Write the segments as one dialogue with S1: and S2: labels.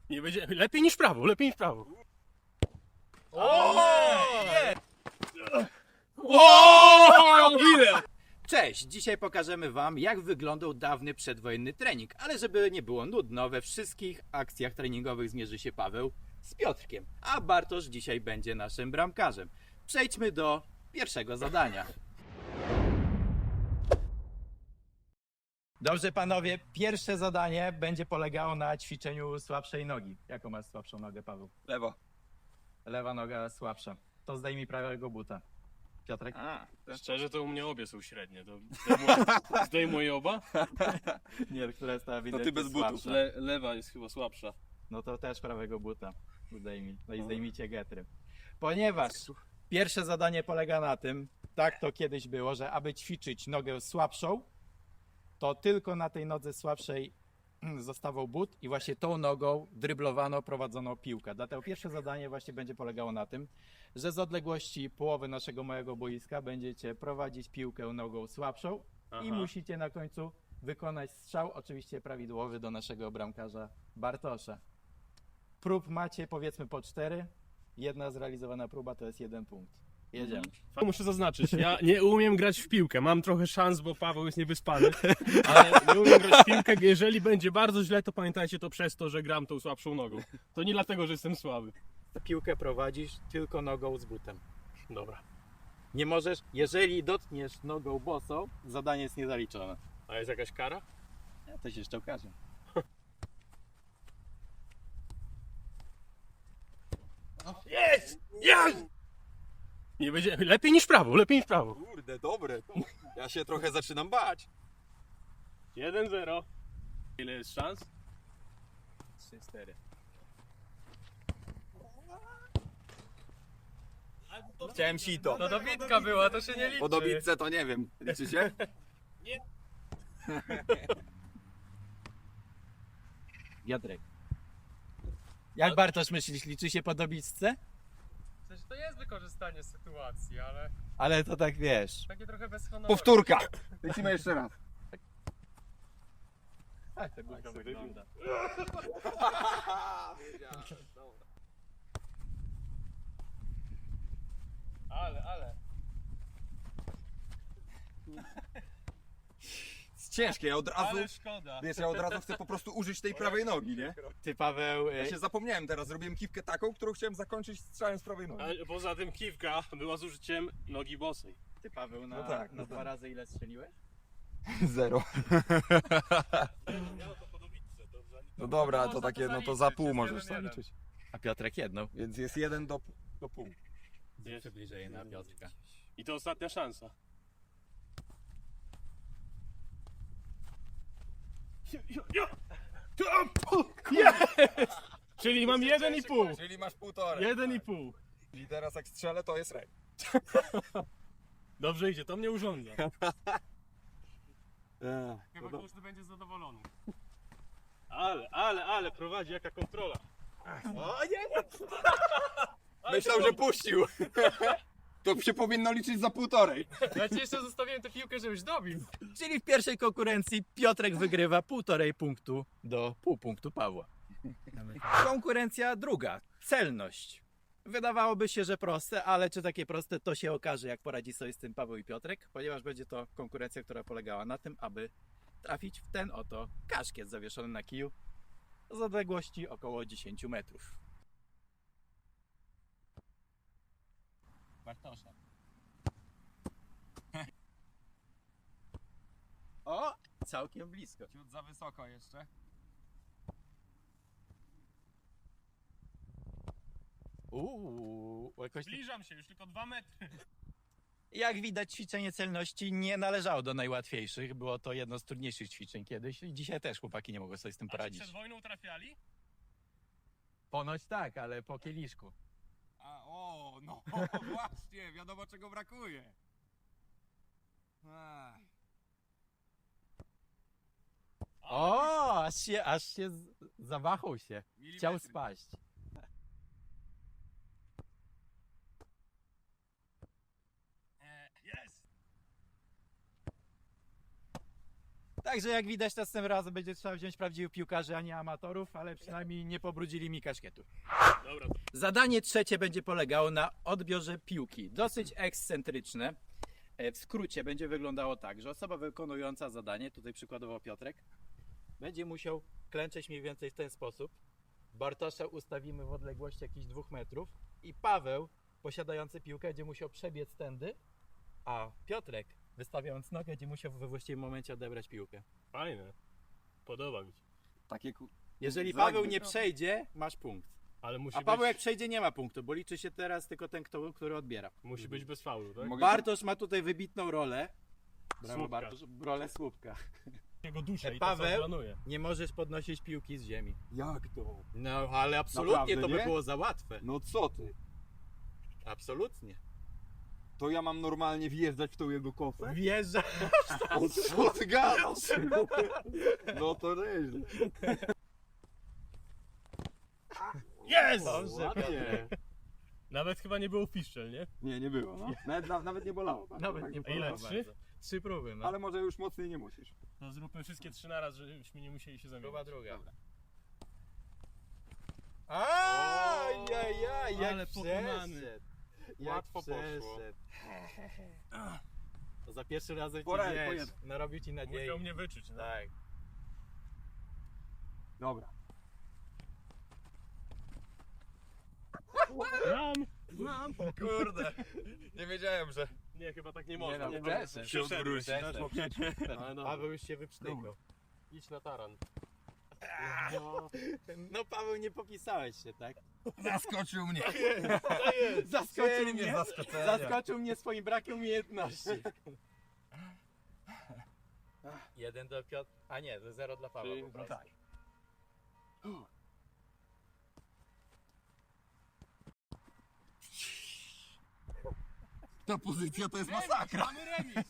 S1: Nie będzie. Lepiej niż prawo, lepiej niż prawo. Ile?
S2: Cześć! Dzisiaj pokażemy Wam, jak wyglądał dawny przedwojenny trening. Ale żeby nie było nudno, we wszystkich akcjach treningowych zmierzy się Paweł z Piotrkiem, a Bartosz dzisiaj będzie naszym bramkarzem. Przejdźmy do pierwszego zadania. Dobrze panowie, pierwsze zadanie będzie polegało na ćwiczeniu słabszej nogi. Jaką masz słabszą nogę, Paweł?
S3: Lewo.
S2: Lewa noga słabsza. To zdejmij prawego buta. Piotrek?
S1: Szczerze to u mnie obie są średnie. To zdejmuję oba?
S2: Nie, która jest ta
S3: To ty bez butów.
S2: słabsza.
S1: Lewa jest chyba słabsza.
S2: No to też prawego buta zdejmij. No i zdejmijcie getry. Ponieważ pierwsze zadanie polega na tym, tak to kiedyś było, że aby ćwiczyć nogę słabszą, to tylko na tej nodze słabszej zostawał but i właśnie tą nogą dryblowano, prowadzono piłkę. Dlatego pierwsze zadanie właśnie będzie polegało na tym, że z odległości połowy naszego małego boiska będziecie prowadzić piłkę nogą słabszą i musicie na końcu wykonać strzał, oczywiście prawidłowy, do naszego bramkarza Bartosza. Prób macie powiedzmy po 4. Jedna zrealizowana próba to jest 1 punkt. Jedziemy.
S1: Muszę zaznaczyć, ja nie umiem grać w piłkę. Mam trochę szans, bo Paweł jest niewyspany, ale nie umiem grać w piłkę. Jeżeli będzie bardzo źle, to pamiętajcie to przez to, że gram tą słabszą nogą. To nie dlatego, że jestem słaby.
S2: Piłkę prowadzisz tylko nogą z butem.
S1: Dobra.
S2: Nie możesz, jeżeli dotkniesz nogą bosą, zadanie jest niezaliczone.
S1: A jest jakaś kara?
S2: Ja to się jeszcze okaże.
S1: Jest! Jest! Nie będzie. Lepiej niż prawo, lepiej niż prawo.
S3: Kurde, dobre. Ja się trochę zaczynam bać.
S1: 1-0. Ile jest szans?
S2: 3-4.
S3: Chciałem sito.
S4: No dobitka była, to się nie liczy.
S3: Po dobitce to nie wiem. Liczy się?
S2: Piotrek. Jak Bartosz myślisz, liczy się po dobitce?
S4: W sensie to jest wykorzystanie sytuacji, ale
S2: Ale to tak wiesz.
S4: takie trochę bez honoru.
S3: Powtórka. Lecimy jeszcze raz.
S2: Tak to gówno wygląda.
S4: Ale.
S3: Jest ciężkie, ja od razu...
S1: Ale szkoda.
S3: Wiesz, ja od razu chcę po prostu użyć tej prawej nogi, nie?
S2: Ty Paweł,
S3: Ja się zapomniałem teraz, zrobiłem kiwkę taką, którą chciałem zakończyć strzałem z prawej nogi.
S1: Ale poza tym kiwka była z użyciem nogi bosej.
S2: ty Paweł na,
S3: No tak,
S2: na
S3: no
S2: 2
S3: tak.
S2: razy ile strzeliłeś?
S3: 0.
S1: Ja to po dobitce, to
S3: No dobra, to
S4: Można
S3: takie,
S4: to
S3: no to
S4: zaliczyć,
S3: za pół
S4: jest
S3: możesz
S4: 1-1.
S3: zaliczyć.
S2: A Piotrek jedną.
S3: Więc jest 1 do pół.
S2: Przybliżej na Piotrka.
S1: I to ostatnia szansa. Jest! Czyli mam 1,5.
S3: Czyli masz półtorej.
S1: 1,5.
S3: I teraz jak strzelę, to jest rej.
S1: Dobrze idzie, to mnie urządza.
S4: Chyba każdy będzie zadowolony.
S1: Ale prowadzi jaka kontrola.
S3: Myślał, że puścił. To się powinno liczyć za półtorej.
S4: Ja ci jeszcze zostawiłem tę piłkę, żebyś dobił.
S2: Czyli w pierwszej konkurencji Piotrek wygrywa 1,5 punktu do pół punktu Pawła. Konkurencja druga. Celność. Wydawałoby się, że proste, ale czy takie proste, to się okaże, jak poradzi sobie z tym Paweł i Piotrek, ponieważ będzie to konkurencja, która polegała na tym, aby trafić w ten oto kaszkiet zawieszony na kiju z odległości około 10 metrów. Bartosza. O! Całkiem blisko.
S4: Ciut za wysoko jeszcze.
S2: Jakoś...
S1: Zbliżam się, już tylko 2 metry.
S2: Jak widać, ćwiczenie celności nie należało do najłatwiejszych. Było to jedno z trudniejszych ćwiczeń kiedyś i dzisiaj też chłopaki nie mogą sobie z tym
S1: A czy
S2: poradzić.
S1: przed wojną trafiali?
S2: Ponoć tak, ale po kieliszku.
S3: No właśnie, wiadomo czego brakuje.
S2: O, aż się zawahał się. Chciał spaść.
S1: Jest!
S2: Także jak widać, następnym razem będzie trzeba wziąć prawdziwych piłkarzy, a nie amatorów, ale przynajmniej nie pobrudzili mi kaszkietu.
S1: Dobra,
S2: Zadanie trzecie będzie polegało na odbiorze piłki. Dosyć ekscentryczne. W skrócie będzie wyglądało tak, że osoba wykonująca zadanie, tutaj przykładowo Piotrek, będzie musiał klęczeć mniej więcej w ten sposób. Bartosza ustawimy w odległości jakichś 2 metrów i Paweł, posiadający piłkę, będzie musiał przebiec tędy, a Piotrek, wystawiając nogę, będzie musiał we właściwym momencie odebrać piłkę.
S1: fajne. Podoba mi się.
S3: Takie
S2: Jeżeli
S3: Zagry.
S2: Paweł nie przejdzie, masz punkt.
S1: Ale musi
S2: A Paweł
S1: być,
S2: jak przejdzie, nie ma punktu, bo liczy się teraz tylko ten, który odbiera.
S1: musi być bez faulu, tak?
S3: Mogę-
S2: Bartosz ma tutaj wybitną rolę. Brawo
S1: Słupka.
S2: Bartosz, rolę słupka.
S1: Jego duszę i
S2: Paweł?
S1: to co planuje.
S2: Nie możesz podnosić piłki z ziemi.
S3: Jak to?
S2: No, ale absolutnie
S3: Naprawdę,
S2: to by
S3: nie?
S2: było za łatwe.
S3: No co ty?
S2: Absolutnie.
S3: To ja mam normalnie wjeżdżać w tą jego kofę?
S2: Wjeżdża.
S3: O co ty gadasz? No to nieźle.
S1: Jest!
S2: Dobrze,
S3: Ładnie.
S1: Nawet chyba nie było piszczel, nie?
S3: Nie, nie było. No. Nawet nie bolało. bardzo,
S2: Nawet
S3: tak
S2: nie
S3: by
S1: Ile?
S3: bolało.
S1: 3?
S2: 3 próby, no.
S3: Ale może już mocniej nie musisz.
S1: To zróbmy wszystkie 3 na raz, żebyśmy nie musieli się
S2: Próba
S1: zamienić.
S2: druga.
S3: Dobra.
S2: Ajajaj, jak
S1: Ale pokonany.
S2: przeszedł. Jak
S3: Łatwo poszło.
S2: przeszedł. To za pierwszy razem ci
S3: Pora-
S2: wiesz,
S3: pojedź.
S2: narobił ci nadziei.
S1: Musiał mnie wyczuć, no.
S2: Tak.
S3: Dobra.
S1: Mam!
S3: Kurde. Nie wiedziałem, że
S1: Nie, chyba tak nie można.
S2: no,
S1: Nie,
S2: przeszedł.
S1: się odwrócić.
S2: Przeszedł.
S1: Ale dobra,
S2: Paweł już się wyprztykał.
S1: idź na taran.
S2: No Paweł, nie popisałeś się, tak?
S3: zaskoczył mnie.
S2: Zaskoczył mnie,
S3: zaskoczenia.
S2: zaskoczył mnie swoim brakiem umiejętności. 1 do Piotr... A nie, to 0 dla Pawła. po prostu.
S3: tak. Ta pozycja to jest masakra.
S1: Mamy remis!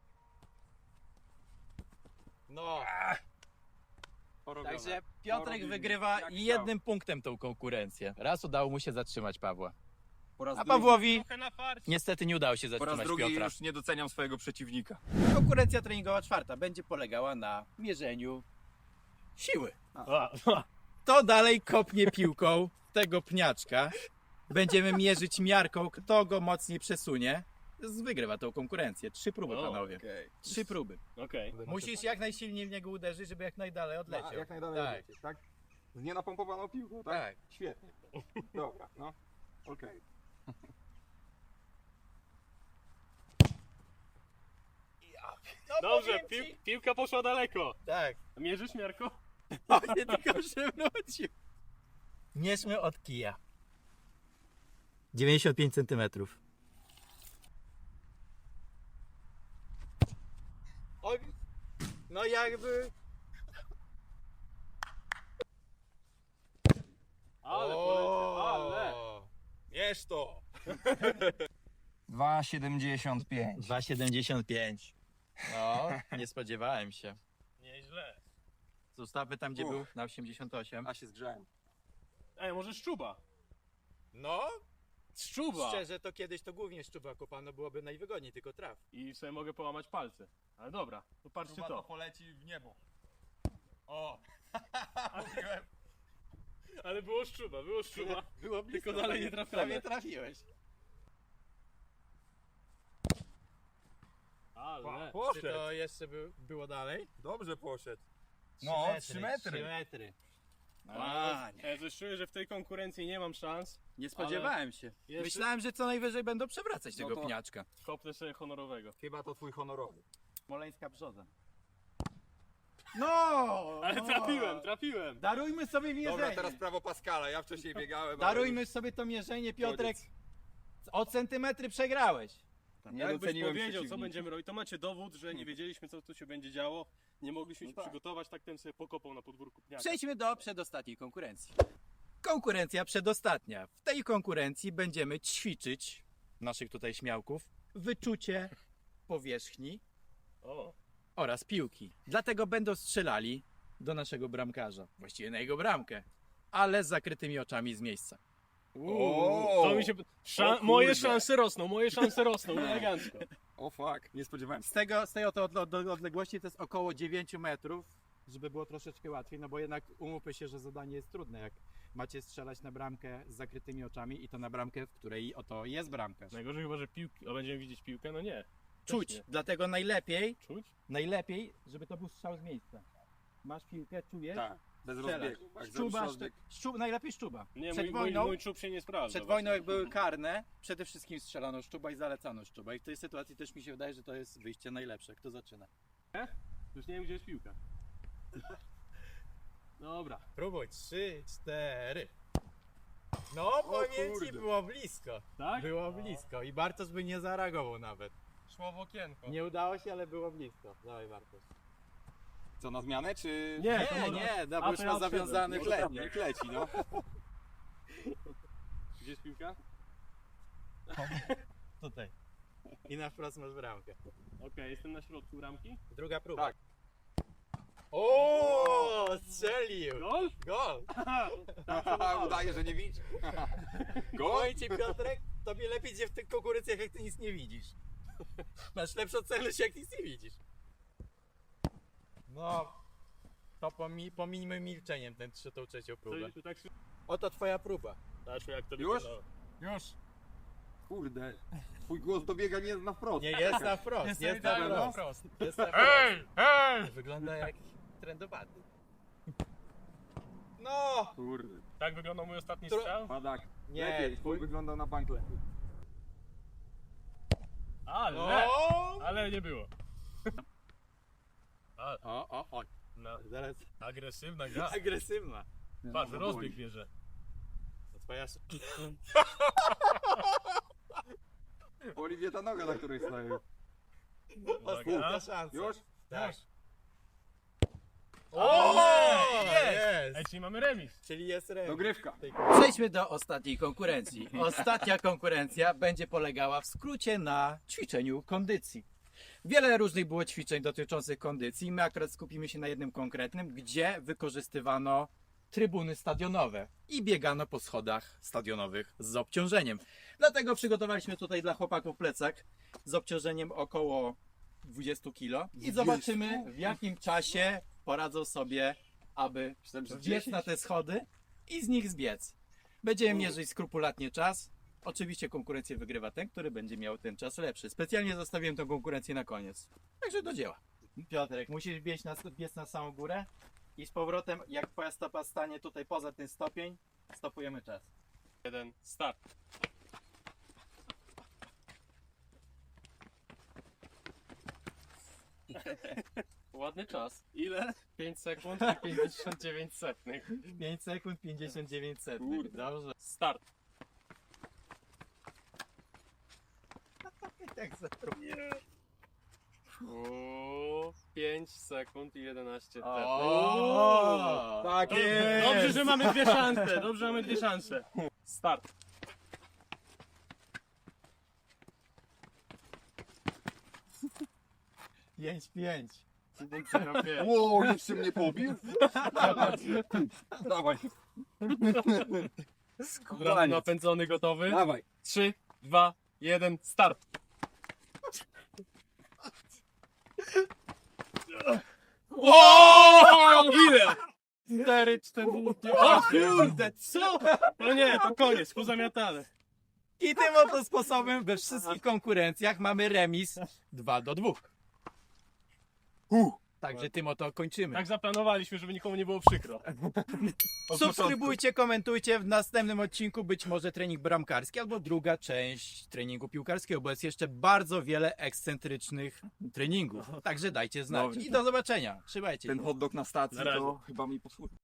S2: No,
S3: Porobione.
S2: także Piotrek
S3: Porobimy.
S2: wygrywa
S3: Jak
S2: jednym punktem tą konkurencję. Raz udało mu się zatrzymać Pawła.
S3: Po raz
S2: A
S3: drugi-
S2: Pawłowi
S1: Trochę na farcie.
S2: niestety nie udało się
S3: Po raz
S2: zatrzymać
S3: drugi
S2: Piotra.
S3: już nie doceniam swojego przeciwnika.
S2: Konkurencja treningowa czwarta będzie polegała na mierzeniu siły. Kto dalej kopnie piłką tego pniaczka, będziemy mierzyć miarką, kto go mocniej przesunie, wygrywa tą konkurencję. 3 próby,
S1: O,
S2: panowie.
S3: Okej.
S2: 3 próby.
S1: Okej.
S2: Musisz jak najsilniej w niego uderzyć, żeby jak najdalej odleciał.
S3: Jak najdalej
S2: Tak.
S3: odlecieć, tak? Z nienapompowaną piłką, tak?
S2: Tak.
S3: Świetnie. Dobra, no. Okej.
S2: No,
S1: Dobrze,
S2: powiem ci-
S1: piłka poszła daleko.
S2: Tak.
S1: Mierzysz, Miarko?
S2: O, nie tylko przewrócił. Mierzmy od kija. 95 cm. Oj, no jakby...
S1: Ale poleciał, ale!
S2: Mierz to!
S3: 2,75.
S2: 2,75. No, nie spodziewałem się.
S1: Nieźle.
S2: Zostawmy tam, gdzie
S3: Uff.
S2: był, na 88.
S3: A się zgrzałem.
S1: Ej, może szczuba?
S2: No,
S1: Szczuba!
S2: szczerze to kiedyś to głównie szczuba kopano byłoby najwygodniej, tylko traf.
S1: I sobie mogę połamać palce. Ale dobra, to patrzcie to.
S3: poleci w niebo.
S1: Ale było szczuba, było szczuba.
S2: Było blisko,
S1: Tylko dalej nie
S2: prawie
S1: trafione.
S2: trafiłeś.
S1: Ale.
S2: Czy to jeszcze było dalej?
S3: Dobrze poszedł.
S2: 3
S3: No,
S2: metry,
S3: 3 metry.
S2: 3 metry.
S1: Ja coś czuję, że w tej konkurencji nie mam szans.
S2: Nie spodziewałem się.
S1: Jeszcze-
S2: Myślałem, że co najwyżej będą przewracać
S3: No
S2: tego
S3: to-
S2: pniaczka.
S1: Kopnę sobie honorowego.
S3: Chyba to twój honorowy.
S2: Smoleńska brzoza. No!
S1: Ale trafiłem!
S2: Darujmy sobie mierzenie.
S3: Dobra, teraz prawo Pascala. Ja wcześniej biegałem.
S2: Darujmy sobie to mierzenie, Piotrek. O centymetry przegrałeś.
S3: Nie
S1: Jakbyś
S3: doceniłem
S1: powiedział, co
S3: przeciwnika.
S1: będziemy robić, to macie dowód, że nie wiedzieliśmy, co tu się będzie działo. Nie mogliśmy się
S3: tak.
S1: przygotować, tak ten sobie pokopał na podwórku pniaka.
S2: Przejdźmy do przedostatniej konkurencji. Konkurencja przedostatnia. W tej konkurencji będziemy ćwiczyć naszych tutaj śmiałków wyczucie powierzchni
S1: O,
S2: oraz piłki. Dlatego będą strzelali do naszego bramkarza, właściwie na jego bramkę, ale z zakrytymi oczami z miejsca.
S3: O!
S1: to mi się...
S3: O kurde.
S1: Moje szanse rosną, elegancko.
S3: O fuck, nie spodziewałem się.
S2: Z tej oto odległości to jest około 9 metrów, żeby było troszeczkę łatwiej, no bo jednak umówmy się, że zadanie jest trudne, jak macie strzelać na bramkę z zakrytymi oczami i to na bramkę, w której oto jest bramkarz.
S1: Najgorzej chyba, że piłki, będziemy widzieć piłkę, no nie.
S2: Czuć,
S1: nie.
S2: dlatego
S1: Czuć?
S2: najlepiej, żeby to był strzał z miejsca. Masz piłkę, czujesz?
S3: Tak, bez
S2: Strzelasz.
S3: rozbiegu. Jak
S2: Szczuba,
S3: zrobisz rozbieg.
S2: najlepiej szczuba.
S1: Nie,
S2: Przed
S1: mój
S2: wojną,
S1: czub się nie sprawdza.
S2: przed wojną jak były karne, przede wszystkim strzelano szczuba i zalecano szczuba. I w tej sytuacji też mi się wydaje, że to jest wyjście najlepsze. Kto zaczyna?
S1: Już nie wiem, gdzie jest piłka. Dobra.
S2: Próbuj, 3, 4. No, powiem ci,
S3: kurde.
S2: było blisko.
S1: Tak?
S2: Było blisko i Bartosz by nie zareagował nawet.
S4: szło w okienko.
S2: Nie udało się, ale było blisko. Dawaj Bartosz.
S3: Co, na zmianę, czy...
S1: Nie, to
S2: Nie,
S1: może-
S2: nie, no
S1: A,
S2: bo już
S1: to
S2: ma
S1: ja
S2: zawiązany
S3: Może tam,
S2: chleb.
S3: niech leci, no.
S1: Gdzie jest piłka?
S2: Tutaj. I na wprost masz bramkę.
S1: Okej, jestem na środku bramki.
S2: Druga próba.
S3: Tak.
S2: O, strzelił!
S1: Gol?
S2: Gol!
S3: Udaje, że nie widzi. Gol?
S2: Powiem ci, Piotrek, tobie lepiej idzie w tych konkurencjach, jak ty nic nie widzisz. Masz lepszą celność, jak nic nie widzisz. No, to pominijmy milczeniem tą trzecią próbę.
S1: To tak się...
S2: Oto twoja próba.
S1: Patrz, jak to
S3: Już?
S1: wyglądało.
S4: Już.
S3: Kurde. Twój głos dobiega nie na wprost.
S2: Nie, jest na wprost,
S4: Jestem
S2: jest na
S4: idealny
S2: wprost.
S4: wprost.
S2: Jest na wprost.
S4: Hej! Hej!
S2: Wygląda jak trendowaty. No!
S3: Kurde.
S1: Tak wyglądał mój ostatni
S2: Tro-
S1: strzał?
S3: Padak.
S2: Nie,
S3: Lepiej,
S2: twój...
S3: wyglądał na bank lepiej.
S1: Ale!
S2: O!
S1: Ale nie było.
S2: O.
S1: No,
S2: Zaraz.
S1: agresywna gra.
S2: Agresywna.
S1: Patrz,
S3: No,
S1: rozbieg bierze.
S2: To twoja...
S3: Oliwie ta noga, na której stoję.
S2: Ostatnia szansa.
S3: Już?
S2: Tak.
S1: O,
S2: Jest!
S1: Ej, czyli mamy remis.
S2: Czyli jest remis.
S3: Dogrywka.
S2: Przejdźmy do ostatniej konkurencji. Ostatnia konkurencja będzie polegała w skrócie na ćwiczeniu kondycji. Wiele różnych było ćwiczeń dotyczących kondycji. My akurat skupimy się na jednym konkretnym, gdzie wykorzystywano trybuny stadionowe i biegano po schodach stadionowych z obciążeniem. Dlatego przygotowaliśmy tutaj dla chłopaków plecak z obciążeniem około 20 kg i zobaczymy, w jakim czasie poradzą sobie, aby wbiec na te schody i z nich zbiec. Będziemy mierzyć skrupulatnie czas. Oczywiście konkurencję wygrywa ten, który będzie miał ten czas lepszy. Specjalnie zostawiłem tę konkurencję na koniec. Także do dzieła. Piotrek, musisz biec na samą górę i z powrotem, jak twoja stopa stanie tutaj poza ten stopień, stopujemy czas.
S1: 1, start. Ładny czas. Ile? 5 sekund i 59 setnych.
S2: 5 sekund 59 sekund.
S3: Kurde.
S2: Dobrze.
S1: Start.
S2: Tak za...
S1: O, 5 sekund i 11 setnych.
S2: O, tak jest.
S1: Dobrze, że mamy dwie szanse. Dobrze, że mamy dwie szanse. Start.
S2: Pięć, pięć.
S1: 5,05.
S3: Ło, jeszcze mnie pobił? Dawaj.
S1: Napędzony, gotowy.
S3: Dawaj.
S1: 3, 2, 1, start. O! Ile? 4, 4. O kurde, co? No nie, to koniec, pozamiatane.
S2: I tym oto sposobem we wszystkich konkurencjach mamy remis 2-2. Także tym oto kończymy.
S1: Tak zaplanowaliśmy, żeby nikomu nie było przykro.
S2: Subskrybujcie, komentujcie. W następnym odcinku być może trening bramkarski albo druga część treningu piłkarskiego, bo jest jeszcze bardzo wiele ekscentrycznych treningów. Także dajcie znać.
S3: Dobrze.
S2: I do zobaczenia. Trzymajcie się.
S3: Ten hot dog na stacji
S1: Na razie.
S3: to chyba mi posłuży.